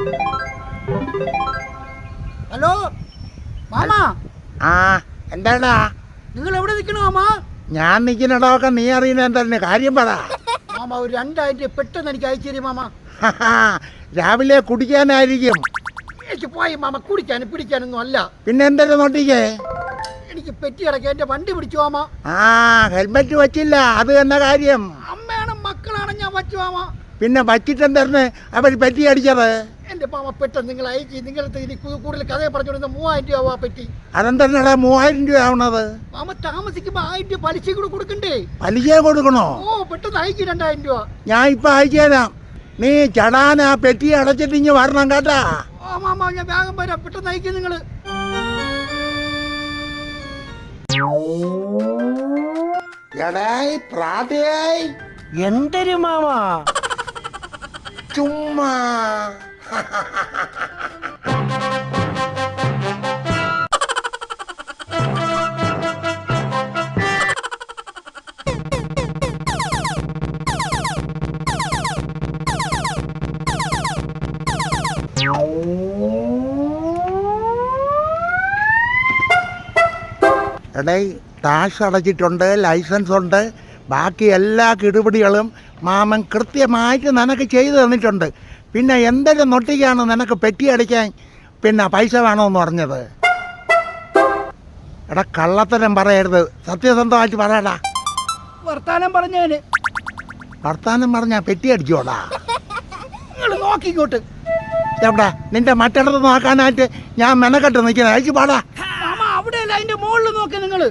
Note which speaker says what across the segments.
Speaker 1: Hello മാമാ.
Speaker 2: ആ എന്താടാ
Speaker 1: നിങ്ങൾ എവിടെ നിൽക്കണോ മാമാ?
Speaker 2: ഞാൻ നിൽക്കുന്നിടമൊക്കെ നീ അറിയുന്ന എന്താണ് കാര്യം പറ.
Speaker 1: മാമാ ഒരു 2000 പെട്ടെന്ന് എനിക്ക് അയച്ചു തരും മാമാ.
Speaker 2: രാവിലെ കുടിക്കാനായിരിക്കും.
Speaker 1: എനിക്ക് പോയി മാമ, കുടിക്കാനും പിടിക്കാനൊന്നും അല്ല.
Speaker 2: പിന്നെ എന്തൊരു നോട്ടിക്കേ?
Speaker 1: എനിക്ക് പെറ്റി കിടക്കാൻ എന്റെ വണ്ടി പിടിച്ചു മാമ.
Speaker 2: ആ ഹെൽമെറ്റ് വച്ചില്ല, അത് തന്നെ കാര്യം.
Speaker 1: അമ്മയാണ് മക്കളാണ് ഞാൻ വച്ചു മാമ.
Speaker 2: പിന്നെ വച്ചിട്ടെന്തായിരുന്നു അവർ പെറ്റി അടിച്ചത്?
Speaker 1: എന്റെ മാമ പെട്ടെന്ന് നിങ്ങൾ അയച്ചു. നിങ്ങളുടെ ഇനി കൂടുതൽ കഥയെ പറഞ്ഞുകൊടുത്ത 3000 രൂപ പെറ്റി.
Speaker 2: അതെന്താ 3000 രൂപ ആവണത്?
Speaker 1: മാമ താമസിക്കുമ്പോ 1000 രൂപ പലിശ കൂടെ കൊടുക്കണ്ടേ?
Speaker 2: പലിശ കൊടുക്കണോ?
Speaker 1: ഓ പെട്ടെന്ന് അയച്ചു 2000 രൂപ.
Speaker 2: ഞാൻ ഇപ്പൊ അയച്ചു തരാം. നീ ചടാന പെറ്റി അടച്ചിട്ട് ഇഞ്ഞ് വരണം കേട്ടാ.
Speaker 1: ഓ മാമ ഞാൻ വേഗം വരാം, പെട്ടെന്ന് അയക്കും നിങ്ങള്.
Speaker 3: എന്തൊരു മാമാ
Speaker 2: ചുമ്മാ എടേ ടാക്സ് അടച്ചിട്ടുണ്ട്, ലൈസൻസ് ഉണ്ട്, ബാക്കി എല്ലാ കിടുപിടികളും മാമൻ കൃത്യമായിട്ട് നിനക്ക് ചെയ്തു തന്നിട്ടുണ്ട്. പിന്നെ എന്തൊരു നൊട്ടിക്കാണ് നിനക്ക് പെറ്റി അടിക്കാൻ പിന്നെ പൈസ വേണമെന്ന് പറഞ്ഞത്? എടാ കള്ളത്തരം പറയരുത്, സത്യസന്ധമായിട്ട് പറയടാ.
Speaker 1: വർത്താനം പറഞ്ഞേന്.
Speaker 2: വർത്താനം പറഞ്ഞാ പെറ്റി അടിച്ചോടാ.
Speaker 1: നിങ്ങൾ നോക്കിക്കോട്ട്.
Speaker 2: എവിടെ നിന്റെ മറ്റിടത്ത് നോക്കാനായിട്ട് ഞാൻ മെനക്കെട്ട് നിൽക്കുന്നത്? അയച്ചു പാടാ.
Speaker 1: മാമ അവിടെയല്ല, അതിന്റെ മുകളിൽ നോക്കി നിങ്ങള്.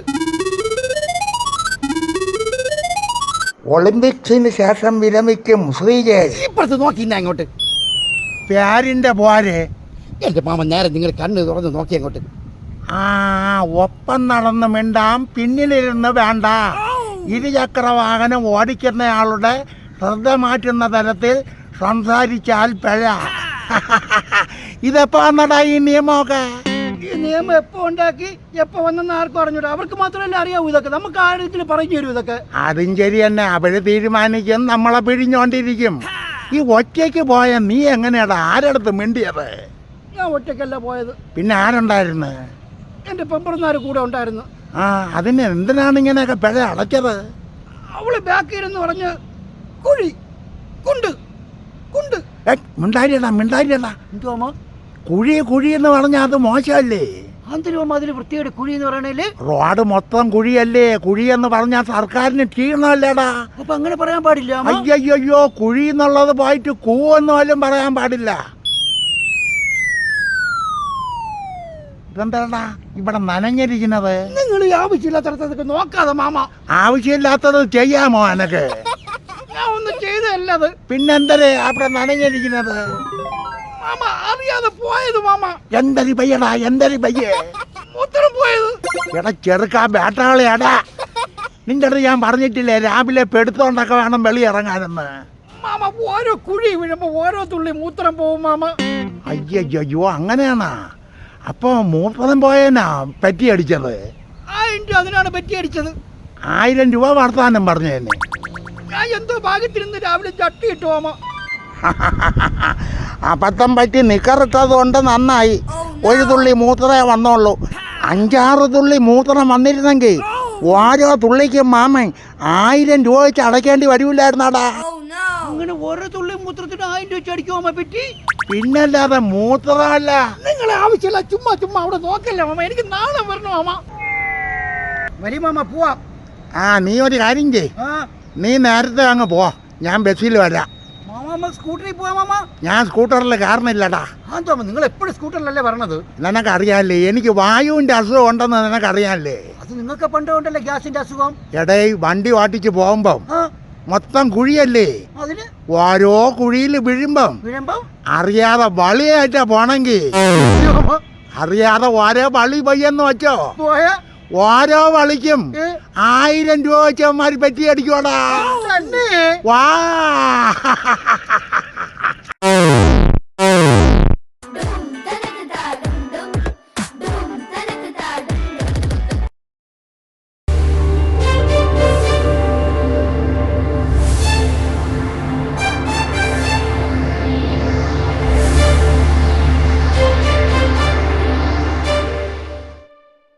Speaker 2: ഒളിമ്പിക്സിന് ശേഷം വിരമിക്കും ശ്രീജേഷ്.
Speaker 1: ഇപ്പുറത്ത് നോക്കി അങ്ങോട്ട്.
Speaker 2: പ്യാരിന്റെ പോരെ.
Speaker 1: എന്റെ മാമ നേരെ നിങ്ങൾ കണ്ണ് തുറന്ന് നോക്കി അങ്ങോട്ട്.
Speaker 2: ആ ഒപ്പം നടന്ന് മിണ്ടാം, പിന്നിലിരുന്ന് വേണ്ട. ഇരുചക്ര വാഹനം ഓടിക്കുന്നയാളുടെ ശ്രദ്ധ മാറ്റുന്ന തരത്തിൽ സംസാരിച്ചാൽ പിഴ. ഇതെപ്പോ വന്നടാ ഈ നിയമമൊക്കെ?
Speaker 1: ഈ നിയമം എപ്പോ ഉണ്ടാക്കി എപ്പോ വന്നെന്ന് ആർക്കും അറിഞ്ഞൂടാ. അവർക്ക് മാത്രമല്ല അറിയാവൂ ഇതൊക്കെ. നമുക്ക് ആരെങ്കിലും പറഞ്ഞു തരും ഇതൊക്കെ.
Speaker 2: അതും ശരി തന്നെ, അവര് തീരുമാനിക്കും, നമ്മളെ പിഴിഞ്ഞോണ്ടിരിക്കും. ഈ ഒറ്റയ്ക്ക് പോയ നീ എങ്ങനെയാടാ ആരടുത്ത് മിണ്ടിയത്?
Speaker 1: ഞാൻ ഒറ്റയ്ക്കല്ല പോയത്.
Speaker 2: പിന്നെ ആരുണ്ടായിരുന്നു?
Speaker 1: എന്റെ പെമ്പറന്നാര് കൂടെ ഉണ്ടായിരുന്നു.
Speaker 2: ആ അതിന് എന്തിനാണ് ഇങ്ങനെയൊക്കെ പിഴ അടച്ചത്?
Speaker 1: അവള് ബാക്കിയിരുന്ന് പറഞ്ഞ് കുഴി കുണ്ട് കുണ്ട്.
Speaker 2: മിണ്ടാരിയടാ മിണ്ടാരിയടാ.
Speaker 1: എന്തുവാ
Speaker 2: കുഴി കുഴി എന്ന് പറഞ്ഞാൽ അത് മോശമല്ലേ?
Speaker 1: അന്തരവും അതിൽ വൃത്തിയുടെ കുഴി എന്ന് പറയണേല്
Speaker 2: റോഡ് മൊത്തം കുഴിയല്ലേ? കുഴി എന്ന് പറഞ്ഞാൽ സർക്കാരിന് ക്ഷീണമല്ലേടാ?
Speaker 1: അപ്പൊ അങ്ങനെ പറയാൻ പാടില്ല.
Speaker 2: അയ്യോ കുഴി എന്നുള്ളത് പോയിട്ട് കൂവെന്ന് പോലും പറയാൻ പാടില്ല. ഇതെന്താടാ ഇവിടെ നനഞ്ഞിരിക്കുന്നത്?
Speaker 1: നിങ്ങൾ ഈ ആവശ്യമില്ലാത്തടത്തൊക്കെ നോക്കാതെ മാമ.
Speaker 2: ആവശ്യമില്ലാത്തത് ചെയ്യാമോ എനക്ക്?
Speaker 1: ഞാൻ ഒന്നും ചെയ്തല്ലത്.
Speaker 2: പിന്നെന്തരേ അവിടെ നനഞ്ഞിരിക്കുന്നത്?
Speaker 1: മാമ അറിയാതെ പോയത് മാമ.
Speaker 2: എന്തരി പയ്യടാ, എന്തരി പയ്യേ?
Speaker 1: മൂത്രം പോയത്.
Speaker 2: എടാ ചെറുക്കാ ബേട്ടാളിയാടാ, നിന്റെ അടുത്ത് ഞാൻ പറഞ്ഞിട്ടില്ലേ രാവിലെ പെടുത്തോണ്ടൊക്കെ വേണം വെളിയിറങ്ങാനെന്ന്?
Speaker 1: മാമ ഓരോ കുഴി വീഴുമ്പോ ഓരോ തുള്ളി മൂത്രം പോവും മാമ.
Speaker 2: അയ്യോ അങ്ങനെയാണാ? അപ്പൊ മൂത്രം പോയനാ പെറ്റി അടിച്ചത്?
Speaker 1: 1000 രൂപ അതിനാണ് പെറ്റി അടിച്ചത്.
Speaker 2: 1000 രൂപ വർത്താനം പറഞ്ഞതന്നെ.
Speaker 1: ഞാൻ എന്തോ ഭാഗ്യത്തിരുന്ന് രാവിലെ ചട്ടി ഇട്ടു മാമ.
Speaker 2: അബദ്ധം പറ്റി നിക്കറിട്ടത് കൊണ്ട് നന്നായി. ഒരു തുള്ളി മൂത്രമേ വന്നോളൂ. 5-6 തുള്ളി മൂത്രം വന്നിരുന്നെങ്കിൽ ഓരോ തുള്ളിക്കും മാമൻ 1000 രൂപ വെച്ച് അടയ്ക്കേണ്ടി വരൂല്ലായിരുന്നാടാ.
Speaker 1: അങ്ങനെ ഓരോ തുള്ളി മൂത്രത്തിന് 1000 രൂപ വെച്ച് അടിക്കും മാമ പെറ്റി.
Speaker 2: പിന്നല്ലാതെ മൂത്രമല്ല.
Speaker 1: നിങ്ങളെ ആവശ്യമില്ല, ചുമ്മാ അവിടെ നോക്കല്ലേ മാമ. എനിക്ക് നാളെ വരണം മാമ. വരി മാമ പോവാം.
Speaker 2: നീ ഒരു കാര്യം ചെയ്, നീ നേരത്തെ അങ്ങ് പോ, ഞാൻ ബസ്സിൽ വരാം.
Speaker 1: മാമ സ്കൂട്ടറിൽ പോവാ മാമ.
Speaker 2: ഞാൻ സ്കൂട്ടറിൽ കാരണമില്ലടാ.
Speaker 1: നിങ്ങൾ എപ്പോഴും സ്കൂട്ടറിലല്ലേ പറഞ്ഞത്?
Speaker 2: നിനക്കറിയാല്ലേ എനിക്ക് വായുവിന്റെ അസുഖം ഉണ്ടെന്ന് നിനക്കറിയാല്ലേ?
Speaker 1: അത് നിങ്ങൾക്ക് പണ്ട് ഉണ്ടല്ലേ ഗ്യാസിന്റെ അസുഖം.
Speaker 2: എടേ വണ്ടി ഓട്ടിച്ച് പോകുമ്പം മൊത്തം കുഴിയല്ലേ?
Speaker 1: അതിന്
Speaker 2: ഓരോ കുഴിയിൽ വീഴുമ്പം അറിയാതെ വളിയായിട്ടാ പോണെങ്കി അറിയാതെ ഓരോ വളി പയ്യെന്ന് വെച്ചോ, ഓരോ വളിക്കും 1000 രൂപ വെച്ചവന്മാര് പെറ്റി അടിക്കോടാ. വാ